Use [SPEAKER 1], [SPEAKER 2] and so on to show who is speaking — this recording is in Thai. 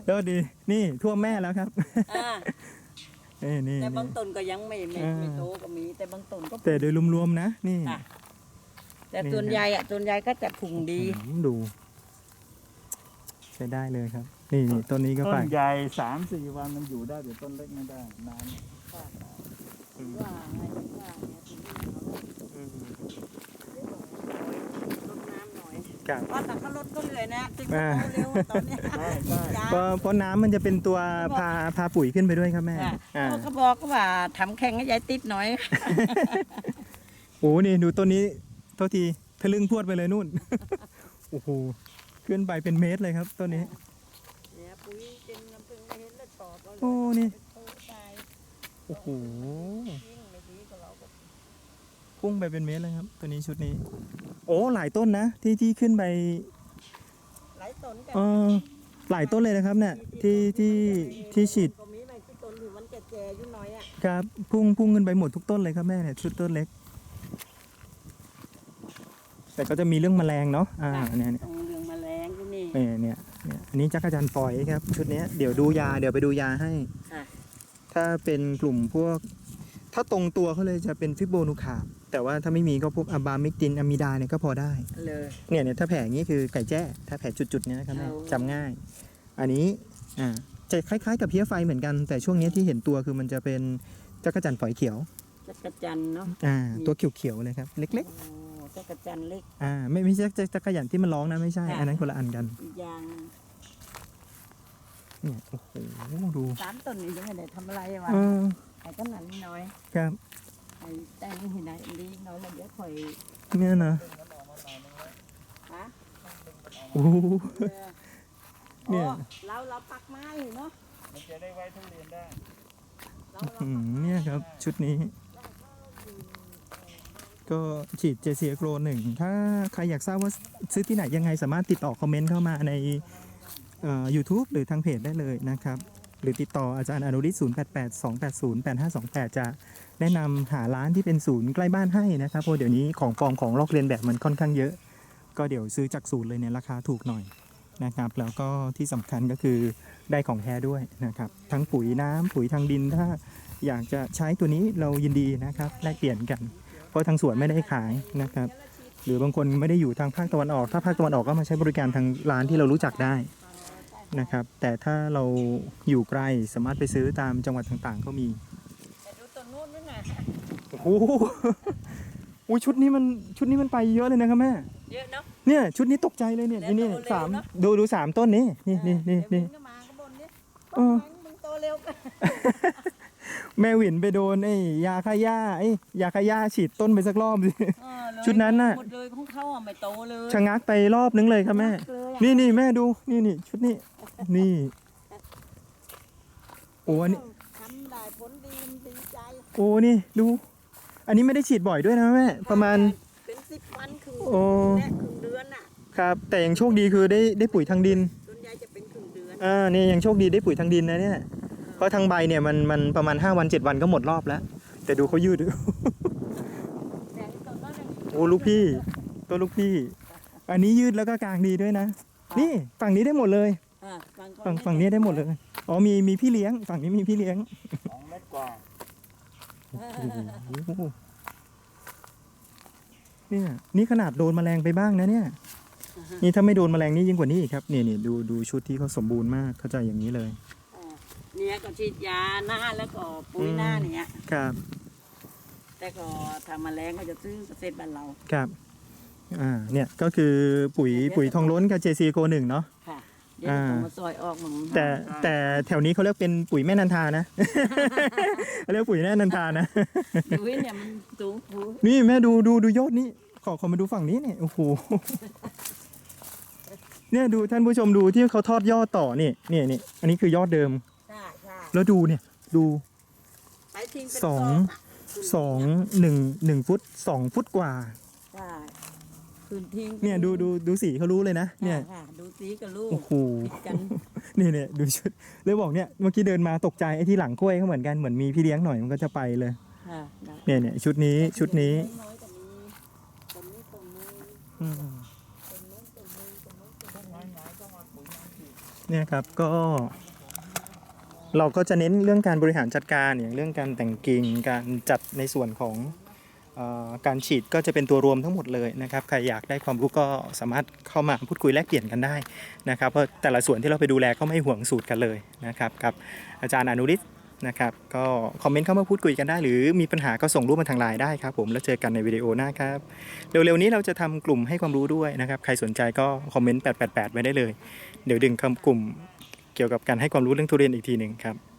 [SPEAKER 1] แล้วดีนี่ท่วมแม่แล้วครับ
[SPEAKER 2] อ่า
[SPEAKER 1] นี่
[SPEAKER 2] แต่บางต้นก็ยังไม่โตก็มีแต่บางต้นก็
[SPEAKER 1] แต่โดยรวมๆนะนี่
[SPEAKER 2] ค่ะแต่ส่วนใหญ่ก็จะพุงดี
[SPEAKER 1] ดูใช้ได้เลยครับ นี่ต้นนี้ก็
[SPEAKER 3] ต้
[SPEAKER 1] ไป
[SPEAKER 3] นใหญ่3-4 วันมันอยู่ได้แต่ต้นเล็กไม่ได้นาน
[SPEAKER 2] ว่าไงว่าเนี่ยถึงลดน้ำหน่อย
[SPEAKER 1] ครับ
[SPEAKER 2] ว่าแต่เขาลดก็เหนื่อยนะติดโตเร็วตอนเนี้ย
[SPEAKER 1] เพราะน้ำมันจะเป็นตัวพาปุ๋ยขึ้นไปด้วยครับแม่
[SPEAKER 2] เขาบอกว่าทำแข่งให้ยายติดหน่อย
[SPEAKER 1] โอ้นี่ดูต้นนี้โทษทีทะลึ่งพรวดไปเลยนู่น โอ้โหขึ้นไปเป็นเมตรเลยครับต้นนี้
[SPEAKER 2] เนี่ยปุ๋ยเต็มน้ำผึ้งไม่เห็นเลือดตอบเราเลย
[SPEAKER 1] โอ้นี่
[SPEAKER 2] โตตาย
[SPEAKER 1] โอ้โห
[SPEAKER 2] ยิ่งไม่ดีกว่าเราก็
[SPEAKER 1] พุ่งไปเป็นเมตรเลยครับตัวนี้ชุดนี้ โอ้หลายต้นนะที่ขึ้นไป
[SPEAKER 2] หลายต้นกัน
[SPEAKER 1] หลายต้นเลยนะครับเนี่ยที่ฉีด
[SPEAKER 2] ก็มีไม่กี่ต้นที่มันแก่ๆอยู่หน่อยอ่ะ
[SPEAKER 1] ครับพุ่งขึ้นไปหมดทุกต้นเลยครับแม่เนี่ยชุดต้นเล็ก แต่ก็จะมีเรื่องแมลงเนาะเนี่ย
[SPEAKER 2] ตรงเรื่องแมลงที่นี่
[SPEAKER 1] เนี่ยอันนี้จักรจันทร์ฝอยครับชุดนี้เดี๋ยวดูยาเดี๋ยวไปดูยาให้
[SPEAKER 2] ค่ะ
[SPEAKER 1] ถ้าเป็นกลุ่มพวกถ้าตรงตัวเขาเลยจะเป็นฟิโบนูคาบแต่ว่าถ้าไม่มีก็พวกอะบามิกตินอะมิดาเนี่ยก็พอได้
[SPEAKER 2] เลย
[SPEAKER 1] เนี่ยถ้าแผลอย่างนี้คือไก่แจ้ถ้าแผลจุดๆเนี่ยนะครับแม่จำง่าย อันนี้จะคล้ายๆกับเพี้ยไฟเหมือนกันแต่ช่วงนี้ที่เห็นตัวคือมันจะเป็นจักรจันทร์ฝอยเขียว
[SPEAKER 2] จักรจันทร์เนาะ
[SPEAKER 1] ตัวเขียวๆเลยครับเล็ก
[SPEAKER 2] โอ้จักรจันทร์เล็ก
[SPEAKER 1] ๆไม่ใช่จักรจันทร์ที่มันร้องนะไม่ใช่อันนั้นคนละอันกัน
[SPEAKER 2] อีกอย่าง
[SPEAKER 1] เนี่ยโอ้โหดู
[SPEAKER 2] 3 ต้นนี่ยังไม่ได้ทำอะไรวะไอ้ต้นนั้นนิดหน่อย
[SPEAKER 1] ครับ
[SPEAKER 2] ไอ้แต่งที่ไหนอันนี้น้อยแล้วเดี๋ยวค่อย
[SPEAKER 1] เนี่ยนะ
[SPEAKER 2] ฮะ
[SPEAKER 1] โอ้โห
[SPEAKER 2] เออ
[SPEAKER 1] เนี่ย
[SPEAKER 2] เราปักไม้เนาะ
[SPEAKER 3] มันจะได้ไว้ทุเรียนได้
[SPEAKER 2] เรา
[SPEAKER 1] เนี่ยครับชุดนี้ ก็ฉีดเจเซียโกร1ถ้าใครอยากทราบว่าซื้อที่ไหนยังไงสามารถติดต่อคอมเมนต์เข้ามาในYouTube หรือทางเพจได้เลยนะครับหรือติดต่ออาจารย์อนุริศ0882808528จะแนะนำหาร้านที่เป็นศูนย์ใกล้บ้านให้นะครับเพราะเดี๋ยวนี้ของปลอมของลอกเลียนแบบมันค่อนข้างเยอะ ก็เดี๋ยวซื้อจากศูนย์เลยเนี่ยราคาถูกหน่อยนะครับแล้วก็ที่สำคัญก็คือได้ของแท้ด้วยนะครับทั้งปุ๋ยน้ำปุ๋ยทางดินถ้าอยากจะใช้ตัวนี้เรายินดีนะครับแลกเปลี่ยนกันเพราะทางสวนไม่ได้ขายนะครับหรือบางคนไม่ได้อยู่ทางภาคตะวันออกถ้าภาคตะวันออกก็มาใช้บริการทางร้านที่เรารู้จักได้นะครับแต่ถ้าเราอยู่ไกลสามารถไปซื้อตามจังหวัดต่างๆก็มี
[SPEAKER 2] แต่ดูต้นนู้นนั่นน่ะ
[SPEAKER 1] โอ้โหอุ้ยชุดนี้มันไปเยอะเลยนะครับแม่
[SPEAKER 2] เยอะเนาะ
[SPEAKER 1] เนี่ยชุดนี้ตกใจเลยเนี่ยนี่สามดู3 ต้นนี้นี่
[SPEAKER 2] เดี๋ยวมึงก็มาข้างบนนี่
[SPEAKER 1] เออ
[SPEAKER 2] มึงโตเร็วกัน
[SPEAKER 1] แม่หวินไปโดนไอ้ยาฆ่าหญ้าฉีดต้นไปสักรอบสิ ชุดนั้นน่ะ
[SPEAKER 2] หมดเลยของเขาอ่ะไม่โตเลย
[SPEAKER 1] ชะงักไปรอบนึงเลยครับแม่
[SPEAKER 2] เลยอะ
[SPEAKER 1] นี่แม่ดูนี่ชุดนี้นี่โอ้อันนี้
[SPEAKER 2] ทำได้ผลดีมันดีใจ
[SPEAKER 1] โอ้นี่ดู อันนี้ไม่ได้ฉีดบ่อยด้วยนะแม่ประมาณ
[SPEAKER 2] เป็น10 วันครึ่ง
[SPEAKER 1] โอ้
[SPEAKER 2] และครึ่งเดือนน่ะ
[SPEAKER 1] ครับแต่ยังโชคดีคือได้ปุ๋ยทางดิน
[SPEAKER 2] ส่วนใหญ่จะเป็นครึ่งเดือน
[SPEAKER 1] นี่ยังโชคดีได้ปุ๋ยทางดินนะเนี่ยเพราะทางใบเนี่ยมันประมาณ5 วัน7 วันก็หมดรอบแล้ว แต่ดูเขายืด
[SPEAKER 2] แต่ต้นนั้นน่ะ
[SPEAKER 1] โอ้ลูกพี่ตัวลูกพี่ อันนี้ยืดแล้วก็กลางดีด้วยนะ นี่ฝั่งนี้ได้หมดเลย
[SPEAKER 2] อ่ะก็
[SPEAKER 1] ฝั่งนี้ได้หมดเลยอ๋อมีพี่เลี้ยงฝั่งนี้มีพี่เลี้ยง
[SPEAKER 3] 2 เมตรกว่า
[SPEAKER 1] โอ้โหเนี่ยนี่ขนาดโดนแมลงไปบ้างนะเนี่ยนี่ถ้าไม่โดนแมลงนี่ยิ่งกว่านี้อีกครับนี่ดูชุดที่เขาสมบูรณ์มากเข้าใจอย่างนี้เลย
[SPEAKER 2] เนี่ยก็ฉีดยาหน้าแล้วก็ปุ๋ยหน้าเนี่ย
[SPEAKER 1] ครับ
[SPEAKER 2] แต่ก็ทำแมลงก็จะซื้อเกษตรบ้านเรา
[SPEAKER 1] ครับเนี่ยก็คือปุ๋ยทองล้นกับ JC Go 1เนาะ
[SPEAKER 2] ค่ะเดี๋ยวจะมาซอยออกมึง
[SPEAKER 1] แต่แถวนี้เขาเรียกเป็นปุ๋ยแม่นันทานะ เขาเรียกปุ๋ยแม่นันทานะ
[SPEAKER 2] ปุ๋ยเนี่ยมันสูงปุ๋ย
[SPEAKER 1] นี่แม่ดูยอดนี้ขอมาดูฝั่งนี้เนี่ยโอ้โห เนี่ยดูท่านผู้ชมดูที่เขาทอดยอดต่อนี่อันนี้คือยอดเดิม
[SPEAKER 2] ใช่ใช่
[SPEAKER 1] แล้วดูเนี่ยดู
[SPEAKER 2] ไปทิ้งเป็น
[SPEAKER 1] สอง
[SPEAKER 2] กะ
[SPEAKER 1] 1 ฟุต 2 ฟุตกว่า
[SPEAKER 2] ใช่คืนทิ้ง
[SPEAKER 1] เนี่ยดูสีเขารู้เลยนะเนี่ย
[SPEAKER 2] ค่ะดูสีกับลูก
[SPEAKER 1] โอ้โห
[SPEAKER 2] ติดกัน
[SPEAKER 1] เนี่ยดูชุดเลยบอกเนี่ยเมื่อกี้เดินมาตกใจไอ้ที่หลังกล้วยเขาเหมือนกันเหมือนมีพี่เลี้ยงหน่อยมันก็จะไปเลย
[SPEAKER 2] ค่ะ
[SPEAKER 1] เนี่ยชุดนี้
[SPEAKER 2] น้อยๆก็มีต้นนี้ต้นนึง
[SPEAKER 1] อืม
[SPEAKER 2] ต้นนู้นต้นนึงต้นนู้นต้น
[SPEAKER 3] ต้น
[SPEAKER 2] นึง
[SPEAKER 3] ไม้ต้องมาปุ๋ยน้ำฉีด
[SPEAKER 1] เนี่ยครับก็เราก็จะเน้นเรื่องการบริหารจัดการอย่างเรื่องการแต่งกิ่งการจัดในส่วนของการฉีดก็จะเป็นตัวรวมทั้งหมดเลยนะครับใครอยากได้ความรู้ก็สามารถเข้ามาพูดคุยแลกเปลี่ยนกันได้นะครับเพราะแต่ละส่วนที่เราไปดูแลก็ไม่ห่วงสูตรกันเลยนะครับกับอาจารย์อนุริศนะครับก็คอมเมนต์เข้ามาพูดคุยกันได้หรือมีปัญหาก็ส่งรูปมาทางไลน์ได้ครับผมแล้วเจอกันในวิดีโอหน้าครับเร็วๆนี้เราจะทำกลุ่มให้ความรู้ด้วยนะครับใครสนใจก็คอมเมนต์888ไว้ได้เลยเดี๋ยวดึงคำกลุ่มเกี่ยวกับการให้ความรู้เรื่องทุเรียนอีกทีหนึ่งครับ